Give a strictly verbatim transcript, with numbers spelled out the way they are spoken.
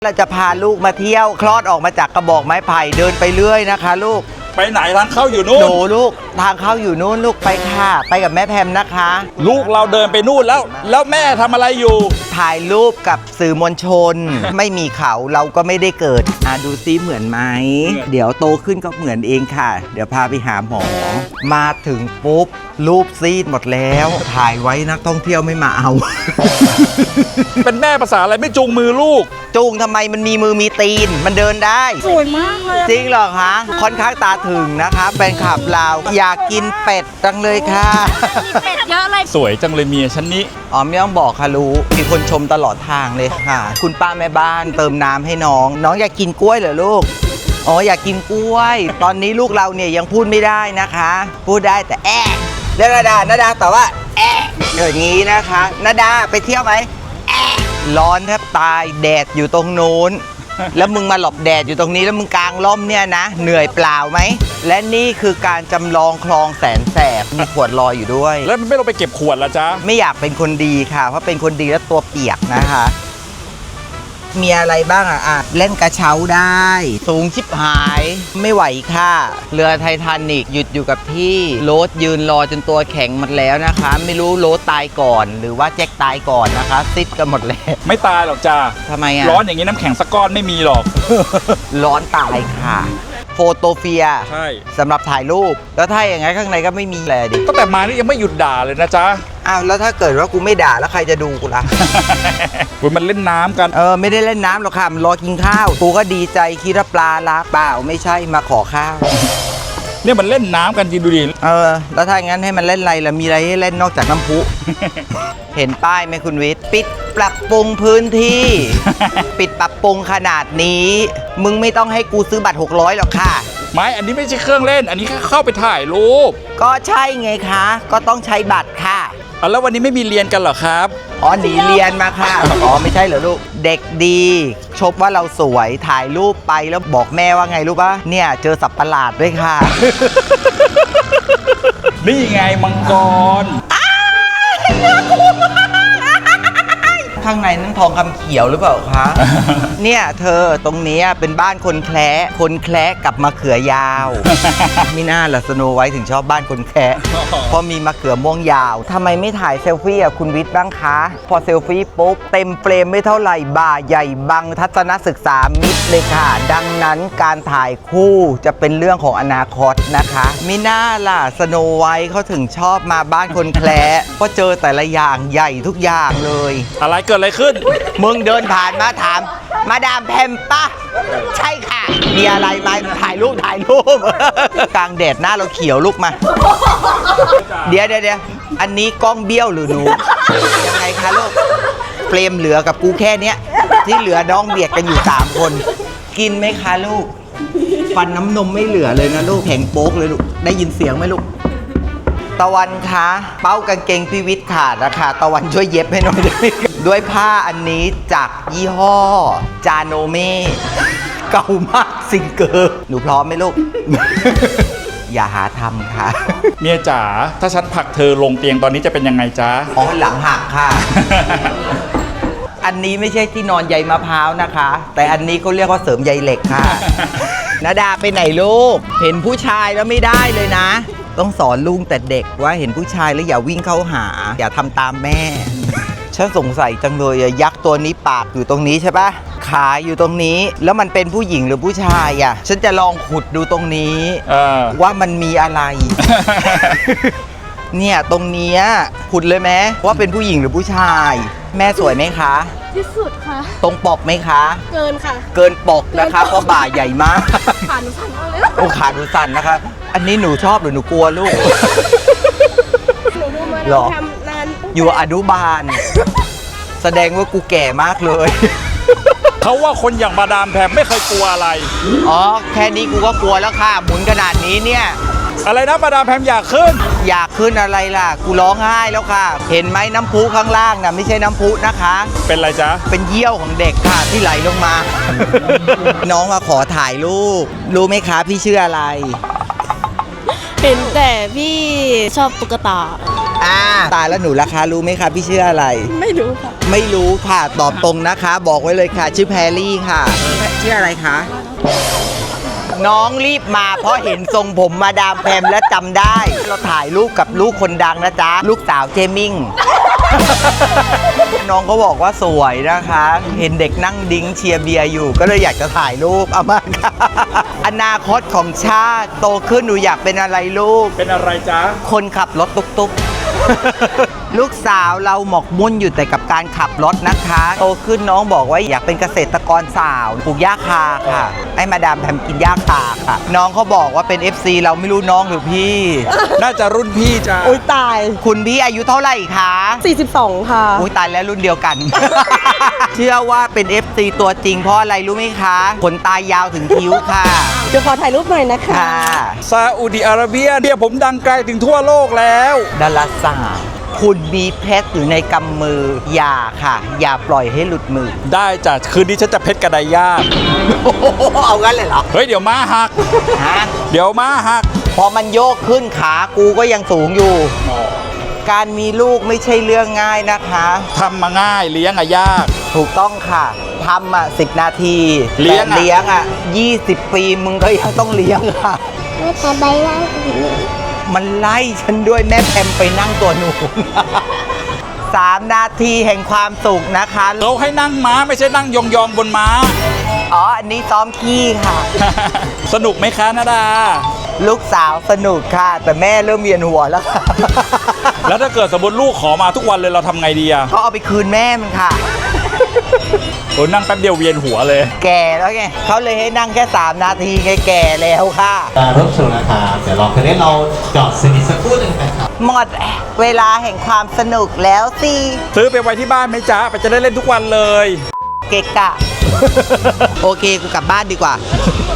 เราจะพาลูกมาเที่ยวคลอดออกมาจากกระบอกไม้ไผ่เดินไปเรื่อยนะคะลูกไปไหนทางเข้าอยู่นู่นหนูลูกทางเข้าอยู่นู่นลูกไปค่ะไปกับแม่แพมนะคะลูกเราเดินไปนู่นแล้วแล้วแม่ทำอะไรอยู่ถ่ายรูปกับสื่อมวลชน ไม่มีเขาเราก็ไม่ได้เกิดอ่ะดูซิเหมือนไหมเดี๋ยวโตขึ้นก็เหมือนเองค่ะเดี๋ยวพาไปหาหมอมาถึงปุ๊บรูปซีดหมดแล้วถ่ายไว้นักท่องเที่ยวไม่มาเอาเป็นแม่ภาษาอะไรไม่จูงมือลูกจูงทำไมมันมีมือมีตีนมันเดินได้สวยมากเลยจริงเหรอคะค่อนข้างตาถึงนะคะเป็นขับเราอยากกินเป็ดจังเลยค่ะเป็ดเยอะเลยสวยจังเลยเมียฉันนี้อ๋อไม่ต้องบอกค่ะรู้มีคนชมตลอดทางเลยค่ะคุณป้าแม่บ้านเติมน้ำให้น้องน้องอยากกินกล้วยเหรอลูกอ๋ออยากกินกล้วยตอนนี้ลูกเราเนี่ยยังพูดไม่ได้นะคะพูดได้แต่แอะเรียกนาดานาดาแต่ว่าแอะอย่างนี้นะคะนาดาไปเที่ยวไหมแอะร้อนแทบตายแดดอยู่ตรงนู้นแล้วมึงมาหลบแดดอยู่ตรงนี้แล้วมึงกางร่มเนี่ยนะเหนื่อยเปล่าไหมและนี่คือการจำลองคลองแสนแสบมีขวดลอยอยู่ด้วยแล้วมันไม่ลงไปเก็บขวดละจ๊ะไม่อยากเป็นคนดีค่ะเพราะเป็นคนดีแล้วตัวเปียกนะคะมีอะไรบ้างอ่ะอ่ะเล่นกระเช้าได้สูงชิบหายไม่ไหวค่ะเรือไททานิกหยุดอยู่กับที่โรสยืนรอจนตัวแข็งหมดแล้วนะคะไม่รู้โรสตายก่อนหรือว่าแจ็คตายก่อนนะคะซิดกันหมดแล้วไม่ตายหรอกจ้าทำไมอ่ะร้อนอย่างนี้น้ำแข็งสักก้อนไม่มีหรอกร้อนตายค่ะโฟโตเฟียใช่สำหรับถ่ายรูปแล้วถ้าอย่างงั้นข้างในก็ไม่มีอะไรดิตั้งแต่มานี่ยังไม่หยุดด่าเลยนะจ๊ะอ้าวแล้วถ้าเกิดว่ากูไม่ด่าแล้วใครจะดูกูล่ะมันเล่นน้ำกันเออไม่ได้เล่นน้ำหรอกค่ะมันรอกินข้าวกูก็ดีใจคิดว่าปลารักเปล่าไม่ใช่มาขอข้าวเนี่ยมันเล่นน้ำกันจริงดูดิเออแล้วถ้างั้นให้มันเล่นอะไรล่ะมีอะไรให้เล่นนอกจากน้ำพุ เห็นป้ายไหมคุณวิทย์ปิดปรับปรุงพื้นที่ ปิดปรับปรุงขนาดนี้มึงไม่ต้องให้กูซื้อบัตรหกร้อยหรอกค่ะไม่อันนี้ไม่ใช่เครื่องเล่นอันนี้แค่เข้าไปถ่ายรูปก็ใช่ไงคะก็ต้องใช้บัตรค่ะอ๋อแล้ววันนี้ไม่มีเรียนกันเหรอครับอ๋อหนีเรียนมาค่ะอ๋อไม่ใช่เหรอลูกเด็กดีชมว่าเราสวยถ่ายรูปไปแล้วบอกแม่ว่าไงรู้ปะเนี่ยเจอสัตว์ประหลาดด้วยค่ะนี่ไงมังกรข้างในนั้นทองคำเขียวหรือเปล่าคะ เนี่ยเธอตรงนี้เป็นบ้านคนแคระคนแคระกับมะเขือยาว ไม่น่าล่ะสโนไวท์ถึงชอบบ้านคนแคระเพราะมีมะเขือม่วงยาวทำไมไม่ถ่ายเซลฟี่อ่ะคุณวิทย์บ้างคะพอเซลฟี่ปุ๊บเต็มเฟรมไม่เท่าไหร่บ่าใหญ่บังทัศนศึกษามิดเลยค่ะดังนั้นการถ่ายคู่จะเป็นเรื่องของอนาคตนะคะไม่น่าล่ะสโนไวท์เขาถึงชอบมาบ้านคนแคระเพราะเจอแต่ละอย่างใหญ่ทุกอย่างเลยอะไรเกิดอะไรขึ้นมึงเดินผ่านมาถามมาดามแพมปะใช่ค่ะมีอะไรมาถ่ายรูปถ่ายรูป กลางแดดหน้าเราเขียวลุกมา เดี๋ยวเดี๋ยวเดี๋ยวอันนี้กล้องเบี้ยวหรือหนู ยังไงคะลูกเฟรมเหลือกับกูแค่เนี้ยที่เหลือน้องเบียดกันอยู่สามคนกินไหมคะลูกฟันน้ำนมไม่เหลือเลยนะลูกแข็งโป๊กเลยลูกได้ยินเสียงไหมลูกตะวันคะเป้ากางเกงพี่วิทย์ขาดนะคะตะวันช่วยเย็บให้หน่อยได้ไหมด้วยผ้าอันนี้จากยี่ห้อจาโนเม่เก่ามากซิงเกอร์หนูพร้อมไหมลูก อย่าหาทำค่ะเมียจ๋าถ้าฉันผลักเธอลงเตียงตอนนี้จะเป็นยังไงจ๊ะอ๋อหลังหักค่ะ อันนี้ไม่ใช่ที่นอนใยมะพร้าวนะคะแต่อันนี้เขาเรียกว่าเสริมใยเหล็กค่ะ นาดาไปไหนลูกเห็นผู้ชายแล้วไม่ได้เลยนะต้องสอนลุงแต่เด็กว่าเห็นผู้ชายแล้วอย่าวิ่งเข้าหาอย่าทำตามแม่ ฉันสงสัยจังเลยยักษ์ตัวนี้ปากอยู่ตรงนี้ใช่ปะขาอยู่ตรงนี้แล้วมันเป็นผู้หญิงหรือผู้ชายอ่ะฉันจะลองขุดดูตรงนี้ว่ามันมีอะไร เนี่ยตรงนี้ขุดเลยไหมว่าเป็นผู้หญิงหรือผู้ชายแม่สวยไหมคะที่สุดค่ะตรงปกไหมคะเกินค่ะเกินปกนะคะเพราะบ่าใหญ่มากขาหนูสั่นมากเลยโอ้ขาหนูสั่นนะคะอันนี้หนูชอบหรือหนูกลัวลูกหนูดูมาทำนานอยู่อนุบาลแสดงว่ากูแก่มากเลยเขาว่าคนอย่างมาดามแพมไม่เคยกลัวอะไรอ๋อแค่นี้กูก็กลัวแล้วค่ะหมุนขนาดนี้เนี่ยอะไรนะมาดามแพมอยากขึ้นอยากขึ้นอะไรล่ะกูร้องไห้แล้วค่ะเห็นไหมน้ำพุข้างล่างน่ะไม่ใช่น้ำพุนะคะเป็นอะไรจ๊ะเป็นเยี่ยวของเด็กค่ะที่ไหลลงมา น้องมาขอถ่ายรูปรู้ไหมคะพี่ชื่ออะไรเห็นแต่พี่ชอบตุ๊กตาอ่าตายแล้วหนูราคารู้ไหมคะพี่ชื่ออะไรไม่รู้ค่ะไม่รู้ค่ะ ตอบตรงนะคะ บอกไว้เลยค่ะ ชื่อแพรรี่ค่ะ ชื่ออะไรคะ น้องรีบมาเพราะเห็นทรงผมมาดามแพมและจำได้ เราถ่ายรูปกับลูกคนดังนะจ๊ะ ลูกสาวเจมิง น้องเขาบอกว่าสวยนะคะ เห็นเด็กนั่งดิ้งเชียร์เบียร์อยู่ ก็เลยอยากจะถ่ายรูปเอามาค่ะ อนาคตของชาติโตขึ้นหนูอยากเป็นอะไรลูกเป็นอะไรจ๊ะคนขับรถตุ๊กๆ ลูกสาวเราหมกมุ่นอยู่แต่กับการขับรถนะคะ โตขึ้นน้องบอกว่าอยากเป็นเกษตรกรสาวปลูกหญ้าคาค่ะ ให้มาดามแพมกินหญ้าคาค่ะ น้องเขาบอกว่าเป็น เอฟ ซี เราไม่รู้น้องหรือพี่น่าจะรุ่นพี่จ้ะอุ้ยตายคุณพี่อายุเท่าไหร่คะสี่สิบสองค่ะอุ้ยตายแล้วรุ่นเดียวกัน เชื่อว่าเป็น เอฟ ซี ตัวจริงเพราะอะไรรู้ไหมคะขนตายาวถึงคิ้วค่ะเดี๋ยวขอถ่ายรูปหน่อยนะคะค่ะซาอุดิอาระเบียเนี่ยผมดังไกลถึงทั่วโลกแล้วดาราสาวคุณมีเพชรอยู่ในกำมือ อย่าค่ะ อย่าปล่อยให้หลุดมือได้จ้ะคืนนี้ฉันจะเพชรกระไดย่างเอางั้นเลยเหรอเฮ้ยเดี๋ยวม้าหักฮะเดี๋ยวม้าหักพอมันโยกขึ้นขากูก็ยังสูงอยู่ การมีลูกไม่ใช่เรื่องง่ายนะคะทำมาง่ายเลี้ยงอะยากถูกต้องค่ะทำอ่ะสิบนาทีเลี้ยงอะแต่เลี้ยงอ่ะยี่สิบปีมึงก็ยังต้องเลี้ยงค่ะไม่แต่ใบล่างมันไล่ฉันด้วยแม่แพมไปนั่งตัวหนู สามนาทีแห่งความสุขนะคะเราให้นั่งม้าไม่ใช่นั่งยองๆบนม้าอ๋อ อันนี้ซ้อมขี้ค่ะสนุกไหมคะนาดาลูกสาวสนุกค่ะ แต่แม่เริ่มเวียนหัวแล้วค่ะแล้วถ้าเกิดสมมติลูกขอมาทุกวันเลยเราทำไงดีอะเขาเอาไปคืนแม่มันค่ะโอ้นั่งแป๊บเดียวเวียนหัวเลยแก่แล้วไงเขาเลยให้นั่งแค่สามนาทีไงแก่แล้วค่ะการรถชนนะครับเดี๋ยวรอคืนนี้เราจอดสนิทสักครู่หนึ่งนะครับหมดเวลาแห่งความสนุกแล้วสิซื้อไปไว้ที่บ้านไหมจ๊ะไปจะได้เล่นทุกวันเลยเกะกะ โอเค กูกลับบ้านดีกว่า